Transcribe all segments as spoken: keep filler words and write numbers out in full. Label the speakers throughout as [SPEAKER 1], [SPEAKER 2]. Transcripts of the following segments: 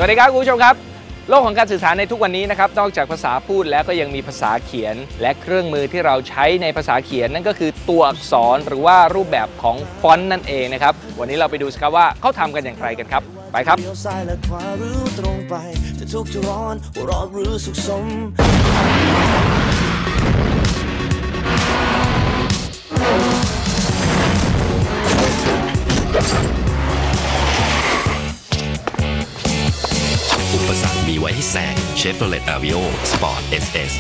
[SPEAKER 1] วัสดีครับคุณผู้ชมครับโลกของการสื่อสารในทุกวันนี้นะครับนอกจากภาษาพูดแล้วก็ยังมีภาษาเขียนและเครื่องมือที่เราใช้ในภาษาเขียนนั่นก็คือตัวอักษรหรือว่ารูปแบบของฟอนต์นั่นเองนะครับวันนี้เราไปดูกันว่าเขาทำกันอย่างไรกันครับไปครับ
[SPEAKER 2] อุปสรรคมีไว้ให้แซง Chevrolet Aveo Sport เอส เอส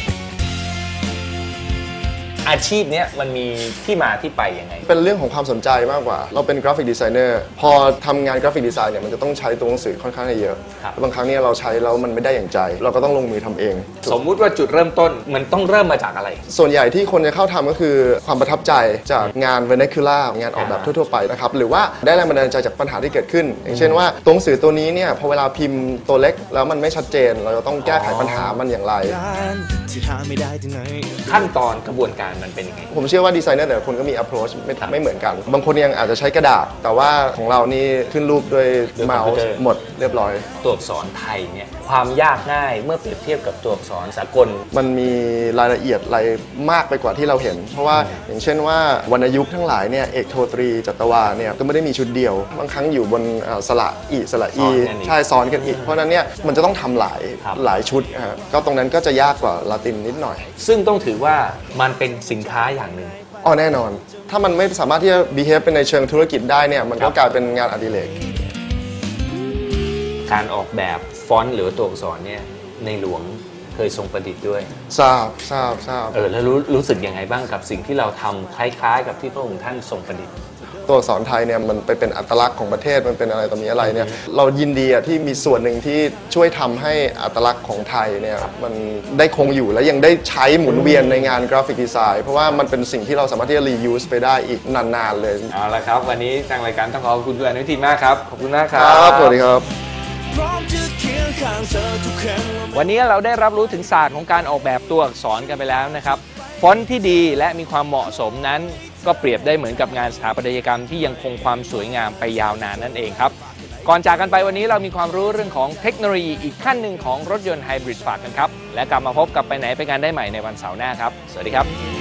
[SPEAKER 1] อาชีพนี้มันมีที่มาที่ไปยังไง
[SPEAKER 3] เป็นเรื่องของความสนใจมากกว่าเราเป็นกราฟิกดีไซเนอร์พอทำงานกราฟิกดีไซน์เนี่ยมันจะต้องใช้ตัวหนังสือค่อนข้างเยอะบางครั้งเนี่ยเราใช้แล้วมันไม่ได้อย่างใจเราก็ต้องลงมือทำเอง
[SPEAKER 1] สมมุติว่าจุดเริ่มต้นมันต้องเริ่มมาจากอะไร
[SPEAKER 3] ส่วนใหญ่ที่คนจะเข้าทำก็คือความประทับใจจากงาน vernacular งานออกแบบทั่วๆไปนะครับหรือว่าได้แรงบันดาลใจจากปัญหาที่เกิดขึ้นอย่างเช่นว่าตัวหนังสือตัวนี้เนี่ยพอเวลาพิมพ์ตัวเล็กแล้วมันไม่ชัดเจนเราจะต้องแก้ไขปัญหามันอย่างไร
[SPEAKER 1] ขั้นตอนกระบวนการมันเป็นยังไง
[SPEAKER 3] ผมเชื่อว่าดีไซเนอร์แต่ละคนก็มี approach ไม่ไม่เหมือนกันบางคนยังอาจจะใช้กระดาษแต่ว่าของเรานี่ขึ้นรูปด้วยเมาส์หมดเรียบร้อย
[SPEAKER 1] ตัวอักษรไทยเนี่ยความยากง่ายเมื่อเปรียบเทียบกับตัวอักษรสากล
[SPEAKER 3] มันมีรายละเอียดอะไรมากไปกว่าที่เราเห็นเพราะว่าอย่างเช่นว่าวรรณยุกต์ทั้งหลายเนี่ยเอกโทตรีจัตวาเนี่ยก็ไม่ได้มีชุดเดียวบางครั้งอยู่บนสระอีสระอีใช่ซ้อนกันอีกเพราะนั้นเนี่ยมันจะต้องทำหลายหลายชุดก็ตรงนั้นก็จะยากกว่าลาตินนิดหน่อย
[SPEAKER 1] ซึ่งต้องถือว่ามันเป็นสินค้าอย่างหนึ่ง
[SPEAKER 3] อ๋อแน่นอนถ้ามันไม่สามารถที่จะ behave เป็นในเชิงธุรกิจได้เนี่ยมันก็กลายเป็นงานอดิเรก
[SPEAKER 1] การออกแบบฟอนต์หรือตัวอักษรเนี่ยในหลวงเคยทรงประดิษฐ์ด้วย
[SPEAKER 3] ทราบทราบทราบ
[SPEAKER 1] เออแล้วรู้รู้สึกยังไงบ้างกับสิ่งที่เราทำคล้ายๆกับที่พระองค์ท่านทรงประดิษฐ์
[SPEAKER 3] ตัวอักษรไทยเนี่ยมันไปเป็นอัตลักษณ์ของประเทศมันเป็นอะไรต่อมีอะไรเนี่ยเรายินดีที่มีส่วนหนึ่งที่ช่วยทำให้อัตลักษณ์ของไทยเนี่ยมันได้คงอยู่และยังได้ใช้หมุนเวียนในงานกราฟิกดีไซน์เพราะว่ามันเป็นสิ่งที่เราสามารถที่จะ reuse ไปได้อีกนานๆเลย
[SPEAKER 1] เอาละครับวันนี้ทางรายการต้องขอบคุณคุณอนุทินมากครับขอบคุณมากครับ
[SPEAKER 3] สวัสดีครับ
[SPEAKER 1] วันนี้เราได้รับรู้ถึงศาสตร์ของการออกแบบตัวอักษรกันไปแล้วนะครับฟอนต์ที่ดีและมีความเหมาะสมนั้นก็เปรียบได้เหมือนกับงานสถาปัตยกรรมที่ยังคงความสวยงามไปยาวนานนั่นเองครับก่อนจากกันไปวันนี้เรามีความรู้เรื่องของเทคโนโลยีอีกขั้นหนึ่งของรถยนต์ไฮบริดฝากกันครับและกลับมาพบกับไปไหนไปงานได้ใหม่ในวันเสาร์หน้าครับสวัสดีครับ